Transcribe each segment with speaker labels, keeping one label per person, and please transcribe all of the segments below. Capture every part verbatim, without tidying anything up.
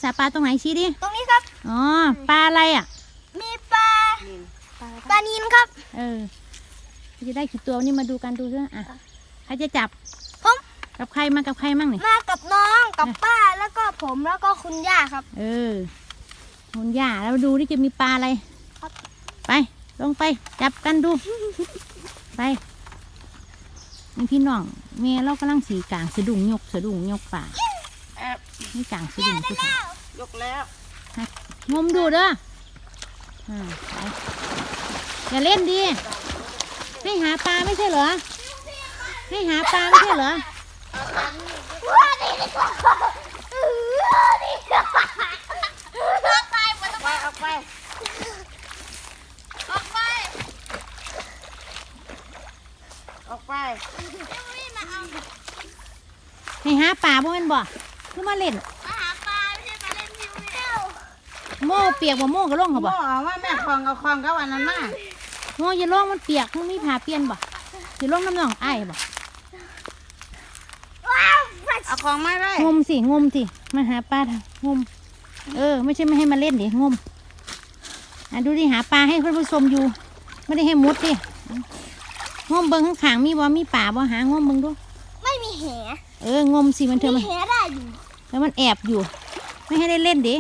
Speaker 1: าปลาตรงไหนชี้ดิ
Speaker 2: ตรงนี้ครับ
Speaker 1: อ๋อปลาอะไรอ่ะ
Speaker 2: มีปลาปลานิลครับ
Speaker 1: เออจะได้กี่ตัวนี่มาดูกันดูด้วยอ่ะใครจะจับ
Speaker 2: ผม
Speaker 1: กับใครมากับใครมั่งนี่
Speaker 2: มากับน้องกับป้าแล้วก็ผมแล้วก็คุณย่าครับ
Speaker 1: เออคุณย่าแล้วดูที่จะมีปลาอะไรไปลงไปจับกันดูไปนี่พี่น้องเมียเรากำลังสีกลางสะดุ้งยกสะดุ้งยกป่านี่กลางสะดุ้งทุกคน
Speaker 3: ยกแล้ว
Speaker 1: งมดูเด้ออ่าอย่าเล่นดิให้หาปลาไม่ใช่เหรอให้หาปลาไม่ใช่เหรอ
Speaker 3: ออกไปออกไปออกไป
Speaker 1: ให้หาปลาบ่แม่นบ่คือมาเล่น
Speaker 2: มาหาปลาไม่ใช่มาเล่นพิวเดียว
Speaker 1: โม่เปียกบ่โม่ก็ล่องเขาบ่
Speaker 3: โม่ว่าแม่คลองกับคลองกับอันนั้นมา
Speaker 1: โม่อย่าล่องมันเปียกมันมีผ้าเปลี่ยนบ่สิล่องน้ำหนองไอ้บ่
Speaker 3: เอาของมาได้
Speaker 1: งมสิงมสิมาหาปลางมเออไม่ใช่ไม่ให้มาเล่นดิงมอ่ะดูดิหาปลาให้เพื่อนผู้ชมอยู่ไม่ได้ให้มุดดิงมเบิ้งข้างขางมีบ่มีป่าบ่หางมเบิ้งดู
Speaker 2: ไม่มีแห
Speaker 1: เอองมสิมันเธอมัน
Speaker 2: แหได้อยู่
Speaker 1: แล้วมันแอบอยู่ไม่ให้ได้เล่นดิ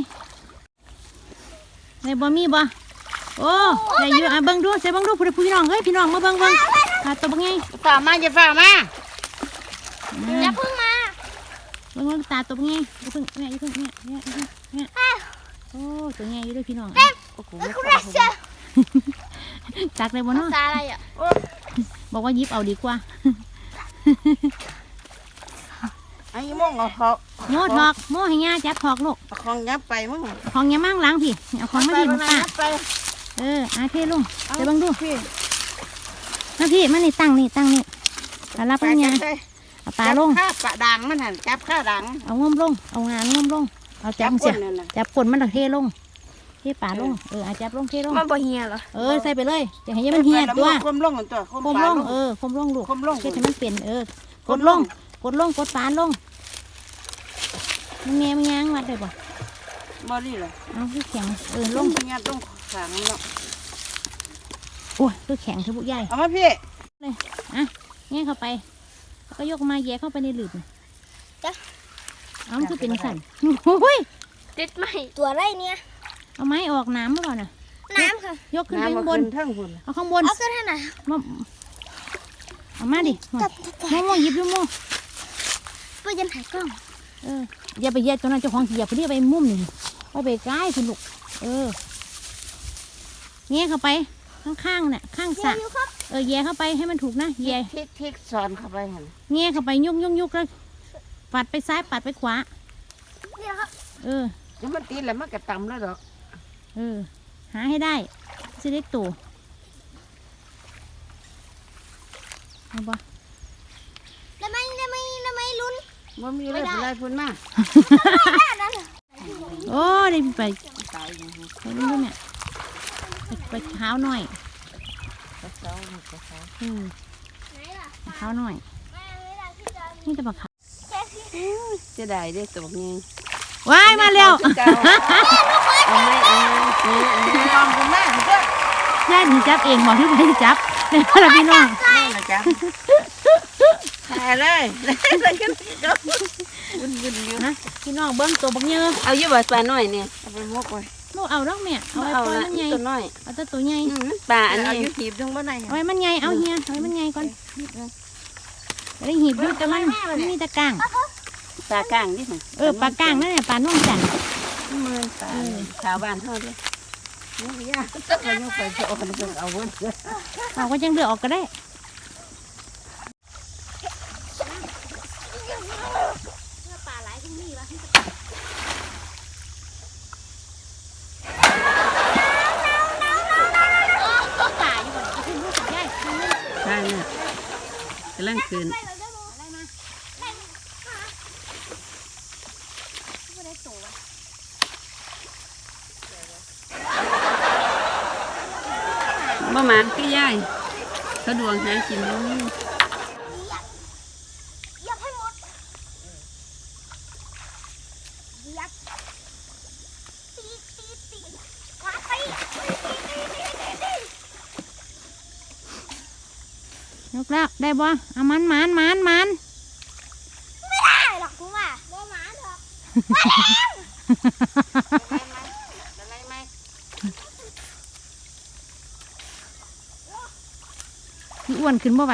Speaker 1: ในบ่มีบ่โอ้ใส่อยู่อ่ะเบิ้งดูใส่เบิ้งดูพี่น้องเฮ้ยพี่น้องมาเบิ้งเบิ้งขาตัวเป็นไง
Speaker 3: ฝ่ามาอย่าฝ่ามา
Speaker 2: อย่าพึ่งมา
Speaker 1: เบิ้งเบิ้งตาตัวเป็นไงอย่าพึ่งแม่อย่าพึ่งแม่เนี่ยเนี่ยโอ้ตัวใหญ่อยู่ด้วยพี่น้อง
Speaker 2: โอ้โห
Speaker 1: ตักเลยบ่เนาะ
Speaker 2: ตาอะไรอ่ะ
Speaker 1: บอกว่ายิบเอาดีกว่า
Speaker 3: ไอ้โม่งเอาเขา
Speaker 1: โม่ถอกโม่ให้ย่าจับถอกลูก
Speaker 3: ของยับไปมั้ง
Speaker 1: ของย่ามั่งล้างพี่เอาของมาดิมาป้าเอออาเทลุงเดี๋ยวบังดู
Speaker 3: พี่
Speaker 1: มาพี่มานี่ตั้งนี่ตั้งนี่ปลาลับปัญญาเอาปลาลง
Speaker 3: ข้าปลาดังมันหันจับข้าดัง
Speaker 1: เอางมลงเอางานงมลงเอาจับเสียจับกลนมันเทลงเทปลาลงเอออาจับลงเทลง
Speaker 2: มันบ่เฮียเหรอ
Speaker 1: เออใส่ไปเลยจะให้มันเฮียตัว
Speaker 3: คมลงตัว
Speaker 1: คมลงเออคมลงลูก
Speaker 3: คมลง
Speaker 1: เฮ็ดให้มันเปลี่ยนเออกดลงกดลงกดปลาลงมันแง่มันยังวัดได้ป่ะ
Speaker 3: มาดิเลย
Speaker 1: เอาคือแข็งเออลง
Speaker 3: เงี้ยต้องขังเนาะ
Speaker 1: โอ้ยคือแข็งคือบุกใหญ่
Speaker 3: เอามาพี่
Speaker 1: เลยอ่ะแง่เข้าไปก็ยกมาแย่เข้าไปในหลืบ
Speaker 2: จ้ะ
Speaker 1: เอาคือเป็นสั่นโอ้ย
Speaker 2: ติดไหมตัวอะไรเนี่ย
Speaker 1: เอาไม้ออกน้ำหรือเปล่าน่ะ
Speaker 2: น้ำค่ะ
Speaker 1: ยกขึ้นไปข้างบนเอาข้างบน
Speaker 2: เอาขึ้นให้หน่อย
Speaker 1: มาเอามาดิโม่โม่หยิบดูโม่
Speaker 2: ไปยันถ่ายกล้อง
Speaker 1: เอออย่าไปแย่ตัวนั้นเจ้าของอย่าไปเรียกไปมุมนี่ไปไปใกล้คุณลูกเออแง่เข้าไปข้างๆเนี่ยข้างสระเออแย่เข้าไปให้มันถูกนะแย่
Speaker 3: ทิกทิกสอนเข้าไปเห็น
Speaker 1: แง่เข้าไปยุกยุกยุกแล้วปัดไปซ้ายปัดไปขวา
Speaker 2: เนี่ยครับ
Speaker 1: เออ
Speaker 3: ยังมันตีแล้วมันกระตำแล้วดอก
Speaker 1: เออหาให้ได้จะได้ตัวเอาปะ
Speaker 2: แล้วไม่แล้วไม่แล้วไม่ลุ้น
Speaker 3: มันมีอะไรอะไรพุ่นมา
Speaker 1: โอ้ได้ไปไปลุ้นเนี่ยไปเท้าหน่อยอืมเท้าหน่อยนี่จะบอกขา
Speaker 3: จะได้ได้ตัวนี้
Speaker 1: ว้ายมาเร็ว
Speaker 3: เอาไม่เอาไม่ลองคุณแม่ก็
Speaker 1: ย่าหนูจับเองบอกที่ไปจับในพระพี่น้อง
Speaker 3: นี่นะจ๊ะแพ้เลยเลยกันก็วุ่นวุ่นอยู่
Speaker 1: นะพี่น้องเบิ้งตัวบักเยอะ
Speaker 3: เอาเยอะแบบปลาหน่อยเนี่ยเอาไปมกไว้
Speaker 1: ลูกเอาดอกแม่เอาไว้ปล่อยมันใหญ่
Speaker 3: ตัวน้อย
Speaker 1: เอาตัวตัวใหญ่
Speaker 3: ปลาอันนี้อยู่หีบตรงบ้านไหน
Speaker 1: เอาไว้มันใหญ่เอาเฮียเอาไว้มันใหญ่ก่อนได้หีบอยู่แต่มันมีตะกาง
Speaker 3: ปลากางดิมัน
Speaker 1: เออปลากางนั่นแหละปลาน่องจัน
Speaker 3: เมืองปลาชาวบ้านเท่านี้นี่ยากก็ไปยกไปจะเอาคนเดียวเอาวน
Speaker 1: เอาก็ยังเดือดออกก็ได้ปลาไหลที่นี่วะปลาอยู่บนที่ลูกใหญ่
Speaker 3: ใช่เนี่ยกำลังคืนประมาณก็ย่ายเขาดวงหากินนู้น
Speaker 2: ยับให้หมดยับ
Speaker 1: แล้วได้บ่เอามันมันมันมัน
Speaker 2: ไม่ได้หรอกคุณว่าบ่หมาหรอก
Speaker 3: อะไรไหม
Speaker 1: พี่อ้วนขึ้นบ่ไหว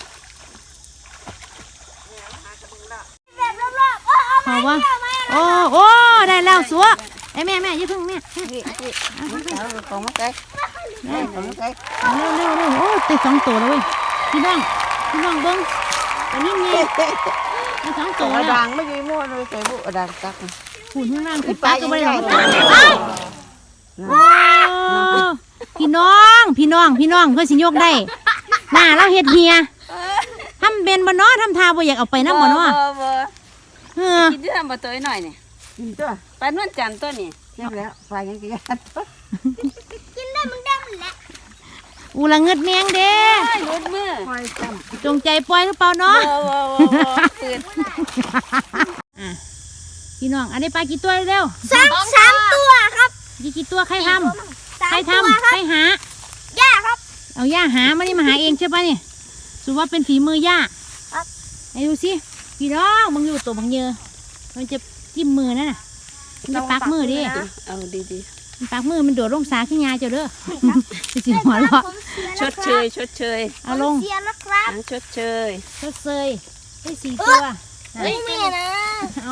Speaker 2: แบบรอบๆโอ้เอา
Speaker 1: พอบ่โอ้โอ้ได้แล้วสัวไอ้แม่แม่อย่าเพิ่งแม่
Speaker 3: พี่พี่เอาของมาใกล้ของมาใกล้
Speaker 1: เอาเร็วเร็วเร็วโอ้ติดสองตัวแล้วเว้ยพี่น้องพี่น้องเบิ้งอันนี้ไงได้สอง
Speaker 3: ตั
Speaker 1: ตัว
Speaker 3: ว
Speaker 1: แล้ว
Speaker 3: ดังไม่ยืมมั่วเลยใส่บุดังตัก
Speaker 1: หุ่นข้างล่างคือปลาก็ไม่ได้หรอก
Speaker 3: ว้า
Speaker 1: ว้าวพี่น้องพี่น้องพี่น้องเพื่อสิยกได้หน้าเราเฮ็ดเฮียทำเป็นบ่เนาะทำทาบ่อยากเอาไปน้ำบ่เนาะเออ
Speaker 3: กินที่ทำบ่ตัวหน่อยนี่กินตัวปลานวลจันทร์ตัวนี่ใช่แล้วไฟยังกินตัว
Speaker 2: กินได้มึงได้มันแหละ
Speaker 1: อูละเงิดแมงเด้
Speaker 3: รุดมือ
Speaker 1: จงใจปล่อยหรือเปล่าเนาะ
Speaker 3: ปืน
Speaker 1: อ่ะพี่น้องอันนี้ปลากี่ตัวเร็ว
Speaker 2: สามสามตัวครับ
Speaker 1: กี่กี่ตัวใครทำ
Speaker 2: สาม
Speaker 1: ใคร
Speaker 2: ตัว
Speaker 1: ทำ
Speaker 2: ครั
Speaker 1: ใคร
Speaker 2: บ
Speaker 1: หา
Speaker 2: ย่าครับ
Speaker 1: เอาย่าหามานี่มาหาเองใช่ปะเนี่ยสุว่าเป็นฝีมือย่า
Speaker 2: ครับ
Speaker 1: ไหนดูสิพี่น้องมึงอยู่ตัวบังเยอะมันจะจิ้มมือนั่นน่ะมันจะปักมือดิ
Speaker 3: เอาดี
Speaker 1: มันปักมือมันโดดลงสาขึ้นยาเจ้าเด้อไปสิหัวเราะ
Speaker 3: ๆชดเชยชดเชย
Speaker 1: เอาลง
Speaker 2: เสียแล้วครับ
Speaker 3: ชดเชย
Speaker 1: ทดเซยได้สี่ตัว
Speaker 2: เฮ้ยไม่นะ
Speaker 1: เอา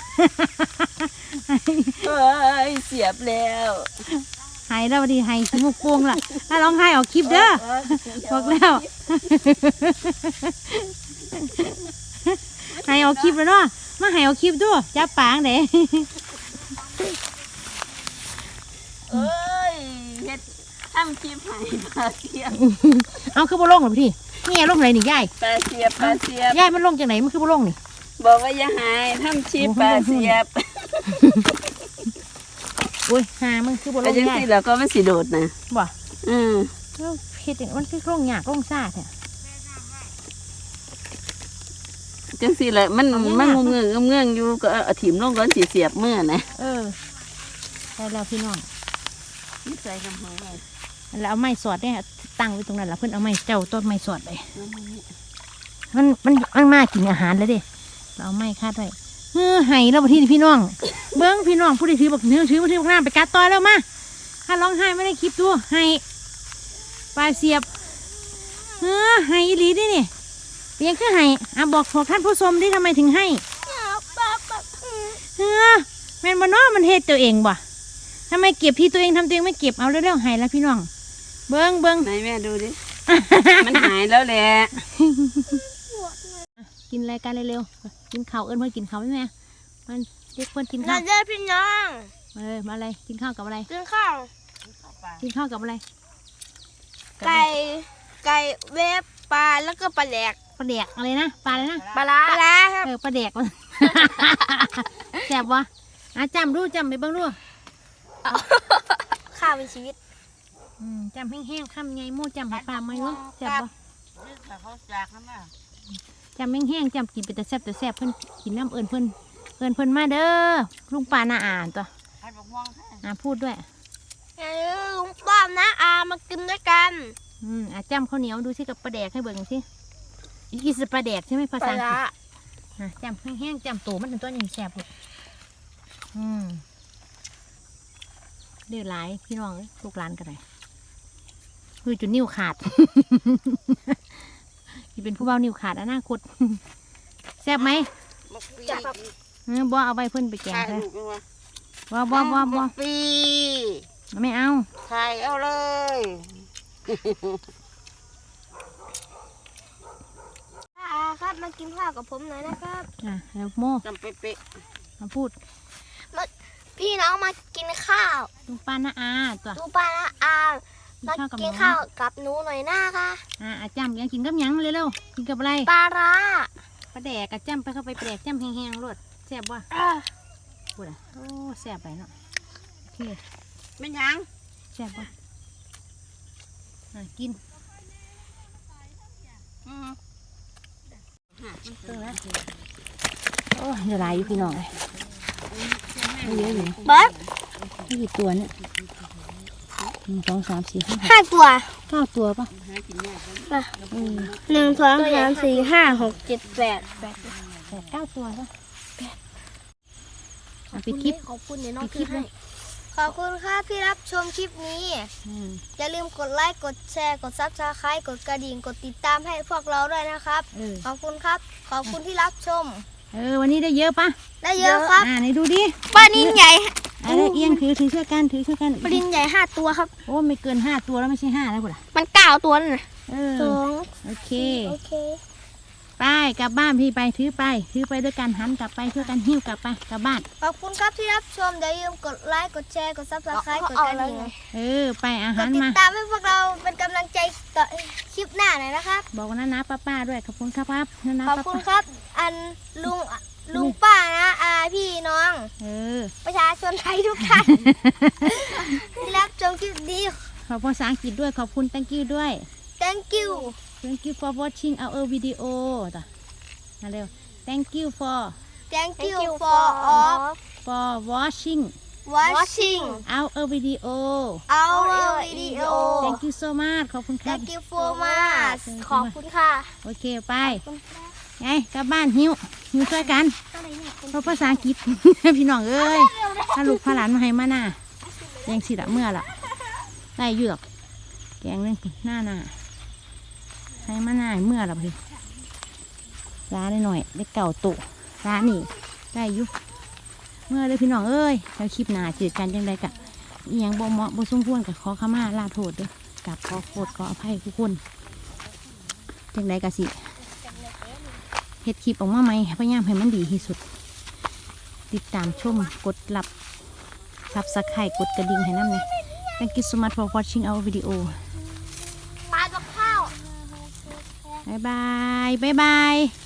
Speaker 3: เฮ้ยเสียบแล้ว
Speaker 1: หายแล้วดีหายขี้มุกโป่งล่ะถ้าร้องไห้ออกคลิปเด้อบอกแล้วหายออกคลิปแล้วเนาะมาหายออกคลิปด้วยจับปางเด้
Speaker 3: เอ้ยเฮ็ดทำคลิปให้ปลาเสียบ
Speaker 1: เอาคือบ่ลงหรอพี่นี่ลงไหนนี่ยาย
Speaker 3: ปลาเสียบปลาเสียบ
Speaker 1: ยายมันลงจากไหนมันคือบ่ลงนี่
Speaker 3: บอกว่าอย่าหายทำชีพปลาเสียบ
Speaker 1: โอ้ยหามันคือบ่ล
Speaker 3: แล้ว
Speaker 1: ง
Speaker 3: จัง
Speaker 1: ยาย
Speaker 3: สิแล้วก็มันสิโดดนะ
Speaker 1: บ่
Speaker 3: อืม
Speaker 1: แล้วเฮ็ดมันคือลงยากลงซ่าแท้
Speaker 3: จังสิแหละมันมันงงเงงเงงอยู่ก็เอาถิ่มลงก่อนสิเสียบมือนะ
Speaker 1: เออได้แล้วพี่น้อง
Speaker 3: นี่ใส่กำหังไว้
Speaker 1: แล้วเอาไม้สอดเนี่ยตั้งไว้ตรงนั้นแล้วเพิ่นเอาไม้เจ้าต้นไม้สอดไปมันมันมันมากินอาหารแล้วเด้เราเอาไม้คาดไว้เออไห้แล้วบัดนี้พี่น้องเบิ้งพี่น้องผู้ใดถือบักเนื้อถือบักถือบักน้ำไปกัดต่อยแล้วมาถ้าร้องไห้ไม่ได้คลิปดูไห้ปลาเสียบเออไห้อีหลีดินี่เพียงคือไห้อ่ะบอกบอกท่านผู้ชมดิทำไมถึงให้เออแม่นบ่เนาะมันเฮ็ดตัวเองบ่ทำไมเก็บที่ตัวเองทำตัวเองไม่เก็บเอาเร็วๆไห้แล้วพี่น้องเบิ้งเบิ้ง
Speaker 3: ไหนแม่ดูดิ มันหายแล้วแหละ
Speaker 1: กินอะไรกันเร็วๆกินข้าวเอิ้นเพื่อนกินข้าวไหมแม่มันเด็กเพื่อนกิน
Speaker 2: เรา
Speaker 1: ข้าว
Speaker 2: เจอพี่น้อง
Speaker 1: มาเลยมาอะไรกินข้าวกับอะไร
Speaker 2: กินข้าว
Speaker 1: กินข้าวกับอะไร
Speaker 2: ไก่ไก่เวฟปลาแล้วก็ปลาแหลก
Speaker 1: ปลาแดกอะไรนะปลาอะไรนะ
Speaker 2: ปลาร้าปลาร้าครับ
Speaker 1: เออปลาแดก มันแซ่บวะอ่ะจำดูจำไปเบ้างดู
Speaker 2: ข้าวเป็นชีวิต
Speaker 1: อืมจำแห้งๆคำไงโม่จำให้ปลาไหมวะแซ่บวะ
Speaker 3: เขาจากนั่นน่ะ
Speaker 1: จำแห้งๆจำกินไปแต่แซ่บแต่แซ่บเพิ่นกินน้ำเอิญเพิ่นเอิญเพิ่นมาเด้อลุงปลาหน้าอ่านตัว
Speaker 3: ให้บอกม่วงให้
Speaker 1: อ่าพูดด้วย
Speaker 2: อย่าลืมลุงป้อมนะอามากินด้วยกัน
Speaker 1: อืมอ่ะจำข้าวเหนียวดูสิกับปลาแดกให้เบิ่งสิอีสปลาแดกใช่ไหมภา
Speaker 2: ป
Speaker 1: ษา
Speaker 2: ลา
Speaker 1: อังกฤ
Speaker 2: ร้า
Speaker 1: ษ อ่ะจำแห้งๆจำตัวมันถึงตัวยังแสบเลยอืมเดือดหลายพี่น้องเอ้ยลูกหลานกันเลยคือจุดนิ้วขาด ที่เป็นผู้เบานิ้วขาดอนาคต แซ่บไหม
Speaker 2: จับแบบ
Speaker 1: เออบ่เอาไปเพิ่นไปแกง
Speaker 3: ถ่าย
Speaker 1: เลย
Speaker 3: รูปยังวะ
Speaker 1: บ่บ่บ่บ่
Speaker 3: ปี
Speaker 1: ไม่เอา
Speaker 3: ถ่ายเอาเลย
Speaker 2: อาครับมากินข้าวกับผมหน่อยนะครับ
Speaker 1: อ่ะแล้วโม่
Speaker 3: จำเป๊ะ
Speaker 1: มาพูด
Speaker 2: พี่น้องมากินข้าว
Speaker 1: ลุงป้าน้าอาตัว
Speaker 2: ดูปลาละอามากินข้าวกับหนูหน่อยหน้าค่ะ
Speaker 1: อ่ะอ่ะจำยังกินกับหยังเร็วๆกินกับอะไร
Speaker 2: ปลาร้า
Speaker 1: ปลาแดกกะจำไปเข้าไปปลาแดกจำแห้งๆรวดแซ่บว่ะ
Speaker 2: อ่ะ
Speaker 1: พูดอ่ะโอ้แซ่บไปเนาะโอเค
Speaker 3: ๆไม่ยัง
Speaker 1: แซ่บว่ะอ่ะกิน
Speaker 3: อืม
Speaker 1: เติมแล้วโอ้ยเดี๋ยวลายอยู่พี่น้องเลยไม่เยอะอยู่
Speaker 2: เบิร์ด
Speaker 1: ไม่กี่ตัวเนี่ยหนึ่งสองสามสี่ห้า
Speaker 2: ห้าตัว
Speaker 1: เก้าตัวปะ
Speaker 2: นะ
Speaker 1: เออ
Speaker 2: หนึ่งสองสามสี่ห้าหกเจ็ดแปดแปด
Speaker 1: แปดเก้าตัวปะเอาปิดคลิป
Speaker 2: ขอบคุณเนี่ยน้อง
Speaker 1: ปิดคลิปเลย
Speaker 2: ขอบคุณครับที่รับชมคลิปนี้
Speaker 1: อืม
Speaker 2: อย่าลืมกดไลค์กดแชร์กดซับสไครต์กดกระดิ่งกดติดตามให้พวกเราด้วยนะครับ
Speaker 1: เออ
Speaker 2: ขอบคุณครับ ขอบคุณที่รับชม
Speaker 1: เออวันนี้ได้เยอะปะ
Speaker 2: ได้เยอะครับ
Speaker 1: อ่าไหนดูดิ
Speaker 2: ปลานินใหญ่
Speaker 1: อะไรเอียงถือถือช่วยกันถือช่วยกัน
Speaker 2: ปลานินใหญ่ห้าตัวครับ
Speaker 1: โอ้ไม่เกินห้าตัวแล้วไม่ใช่ห้าแล้วกูล่ะ
Speaker 2: มันเก้าตัวนั่นนะ
Speaker 1: เออ
Speaker 2: สอง
Speaker 1: โอเค
Speaker 2: โอเค
Speaker 1: ไปกลับบ้านพี่ไปถือไปถือไปด้วยกันหันกลับไปช่วยกันหิ้วกลับไปกลับบ้าน
Speaker 2: ขอบคุณครับที่รับชมอย่าลืมกดไลค์กดแชร์กดซับสไครต์กดกระดิ่ง
Speaker 1: เออไปอาก หาร
Speaker 2: ดติด
Speaker 1: มา
Speaker 2: ตามให้พวกเราเป็นกำลังใจต่อคลิปหน้าหน่อยนะครับ
Speaker 1: บอกนะนะป้าป้าด้วยขอบคุณครับครับนะนะ
Speaker 2: ขอบ
Speaker 1: ป้า
Speaker 2: คุณ
Speaker 1: ป้า
Speaker 2: ครับ อันลุงลุงป้านะอาพี่น้อง
Speaker 1: เออ
Speaker 2: ประชาชนไทยทุกท่าน ที่รับชมคลิปนี้
Speaker 1: ขอบภาษาอังกฤษด้วยขอบคุณ thank you ด้วย
Speaker 2: thank you
Speaker 1: thank you for watching our video ต่อมาเร็ว thank you for
Speaker 2: thank you for all
Speaker 1: for watching
Speaker 2: watching
Speaker 1: our video
Speaker 2: our video
Speaker 1: thank you so much ขอบคุณครับ
Speaker 2: thank you so much ขอบคุณค่ะ
Speaker 1: โอเคไปไงกลับบ้านหิ้วหิ้วช่วยกันเพราะภาษาอังกฤษ พี่น้องเอ้ยถ้าลูกพาหลานมาให้มาหน้ายังสิละเมื่อละได้อยู่หรอกแกงนึงหน้าหน้าให้มาหน้าให้เมื่อละพี่ร้านหน่อยได้เก่าตุร้านนี่ได้อยู่เมื่อเลยพี่น้องเอ้ยแล้วคลิปหน้าเจอกันจังไดกะอีหยังบ่เหมาะบ่สมควรกับขอขมาลาโทษเด้อกับขอโทษขออภัยทุกคนจังไดกะสิเฮ็ดคลิปออกมาไหมพยายามให้มันดีที่สุด ติดตามชมกดรับซับสไครต์กดกระดิ่งให้น้ำเนี่ย Thank you so much for watching our video
Speaker 2: ปลาตะข้าว
Speaker 1: บายบายบายบาย